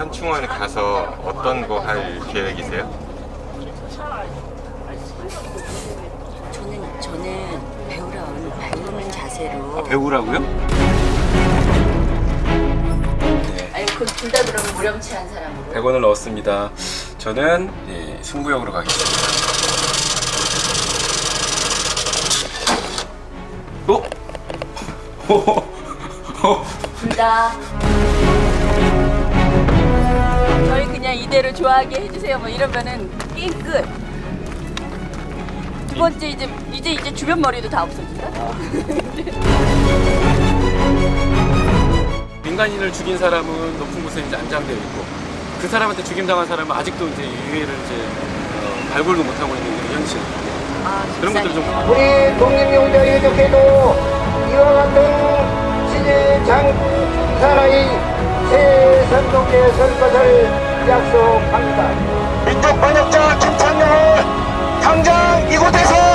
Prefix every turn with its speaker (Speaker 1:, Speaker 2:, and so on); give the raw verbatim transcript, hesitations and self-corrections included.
Speaker 1: 현충원에 가서 어떤 거 할 계획이세요?
Speaker 2: 저는 저는 배우라는 배우는 자세로.
Speaker 3: 아, 배우라고요? 네.
Speaker 2: 아니 그럼 둘 다 그러면 무렴치한 사람으로.
Speaker 3: 백 원을 넣었습니다. 저는 예, 승부역으로 가겠습니다. 어?
Speaker 2: 둘 다. 저희 그냥 이대로 좋아하게 해주세요. 뭐 이러면은 게임 끝. 두 번째 이제 이제 이제 주변 머리도 다 없어진다.
Speaker 3: 민간인을 죽인 사람은 높은 곳에 이제 안장되어 있고 그 사람한테 죽임당한 사람은 아직도 이제 유해를 이제 어, 발굴도 못하고 있는 그런 현실.
Speaker 2: 아,
Speaker 3: 그런 것들 좀.
Speaker 4: 우리 독립용자유족회도 이와 같은 시대장 사나이 새 선동에 설 것을 약속합니다. 민족 번역자 김창룡을 당장 이곳에서